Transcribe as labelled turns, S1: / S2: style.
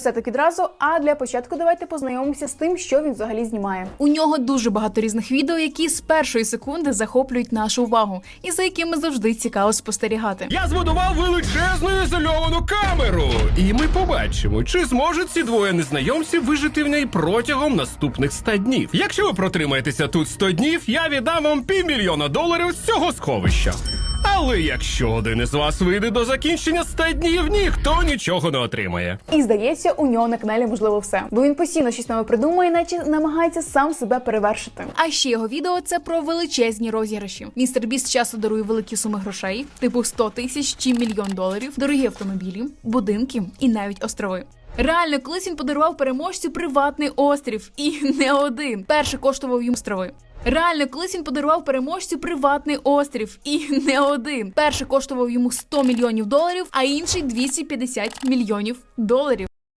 S1: Все так відразу, а для початку давайте познайомимося з тим, що він взагалі знімає. У нього дуже багато різних відео, які з першої секунди захоплюють нашу увагу і за якими завжди цікаво спостерігати.
S2: Я збудував величезну ізольовану камеру, і ми побачимо, чи зможуть ці двоє незнайомців вижити в ній протягом наступних 100 днів. Якщо ви протримаєтеся тут 100 днів, я віддам вам $500 000 з цього сховища. Але якщо один із вас вийде до закінчення 100 днів, ніхто нічого не отримає.
S1: І здається, у нього на каналі можливо все. Бо він постійно щось нове придумує, наче намагається сам себе перевершити. А ще його відео – це про величезні розіграші. Містер Біст часто дарує великі суми грошей, типу 100 тисяч чи $1 мільйон, дорогі автомобілі, будинки і навіть острови. Реально, колись він подарував переможцю приватний острів. І не один. Перший коштував йому острови. Реально, колись він подарував переможцю приватний острів. І не один. Перший коштував йому $100 мільйонів, а інший $250 мільйонів.